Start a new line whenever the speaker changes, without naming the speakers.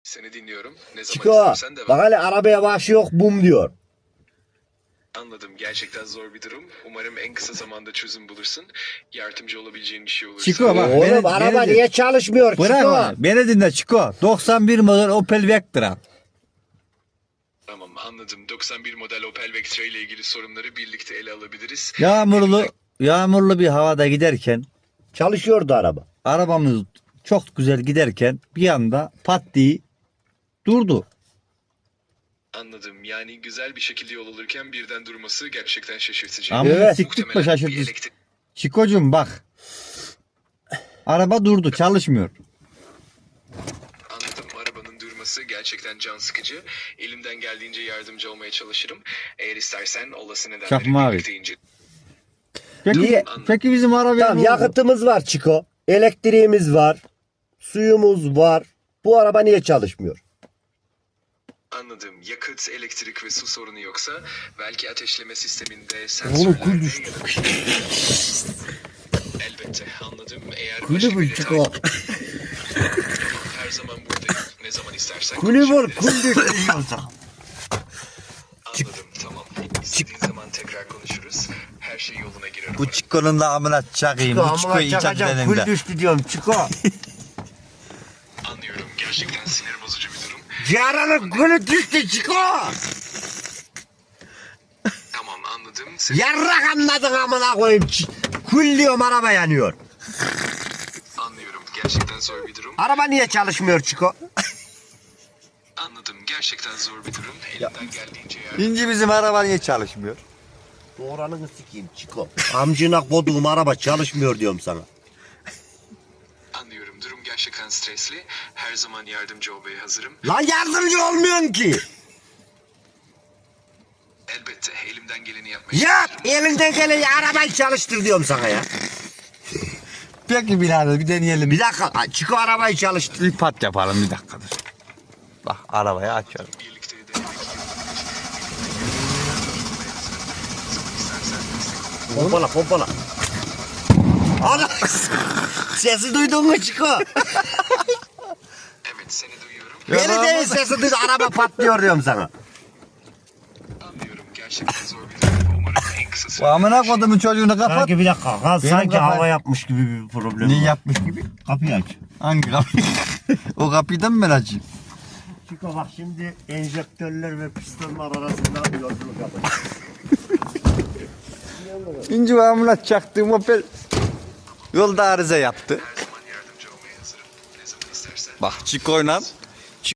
Seni dinliyorum. Ne zaman
Çiko
istersen devam.
bak hele arabaya başı yok bum diyor.
Anladım. Gerçekten zor bir durum. Umarım en kısa zamanda çözüm bulursun. Yardımcı olabileceğin bir şey olursa.
Çiko bak.
Oğlum araba niye çalışmıyor
Bırak
Çiko?
onu. Beni dinle Çiko. 91 model Opel Vectra.
Tamam, anladım. 91 model Opel Vectra ile ilgili sorunları birlikte ele alabiliriz.
Yağmurlu bir havada giderken
Çalışıyordu araba.
arabamız çok güzel giderken bir anda pat diye durdu.
Anladım. Yani güzel bir şekilde yol alırken birden durması gerçekten şaşırtıcı.
Ama
Evet.
siktik mi
Muhtemelen bir
şaşırdı.
elektrik-
Çikocuğum bak. Araba durdu, çalışmıyor.
Anladım. Arabanın durması gerçekten can sıkıcı. Elimden geldiğince yardımcı olmaya çalışırım. Eğer istersen olası nedenleri
Çakma abi.
birlikte ince.
Peki, peki bizim arabaya
Tamam
ne oldu?
yakıtımız var Çiko. Elektriğimiz var. Suyumuz var. Bu araba niye çalışmıyor?
Anladım. Yakıt, elektrik ve su sorunu yoksa belki ateşleme sisteminde
Oğlum
sensörlerde
kul düştü.
Elbette anladım. Eğer
Kulübür
başka bir detay
Çiko.
her zaman buradayım. Ne zaman istersen
Kulübür
konuşabiliriz.
kul düştü.
Anladım. Tamam. İstediğin zaman tekrar konuşuruz. Her şey yoluna girer.
Bu Çiko'nun da amına çakayım. Bu Çiko'yu icat
Çakacağım kul
edelim de.
düştü diyorum Çiko.
Anlıyorum. Gerçekten sinir bozucu bir durum.
Ciğeranın kulü düştü Çiko.
Tamam, anladım.
Yarrak anladın amına koyayım. Kul diyorum araba yanıyor.
Anlıyorum. Gerçekten zor bir durum.
Araba niye çalışmıyor Çiko?
Anladım. Gerçekten zor bir durum. Elimden geldiğince yardım.
İnci bizim araba niye çalışmıyor?
Doğranını sikeyim Çiko. Amcına koduğum araba çalışmıyor diyorum sana.
Anlıyorum. Durum gerçekten stresli. Her zaman yardımcı olmaya hazırım.
Lan yardımcı olmuyorsun ki.
Elbette elimden geleni yapmaya
Yap
çalışırım.
elinden geleni arabayı çalıştır diyorum sana ya.
Peki birader bir deneyelim.
Bir dakika Çiko arabayı çalıştır.
Bir pat yapalım bir dakika dur. Bak arabayı açıyorum.
Birlikte denemek istersen
Pompala pompala. Ana sesi duydun mu Çiko?
evet, seni duyuyorum.
Beni değil sesi duydun araba patlıyor diyorum sana.
Anlıyorum. Gerçekten zor bir durum. Umarım en kısa
Bu
sürede.
amına kodumun çocuğunu kapat.
Sanki bir dakika sanki
kapat.
hava yapmış gibi bir problem
Ne
var.
yapmış gibi?
Kapıyı aç.
Hangi kapı? O kapıyı da mı ben açayım?
Çiko bak şimdi enjektörler ve pistonlar arasında bir yolculuk yapacağız.
İnci ve amına çaktığım Opel yolda arıza yaptı.
Her zaman yardımcı olmaya hazırım. Ne zaman istersen.
Bak Çiko'yla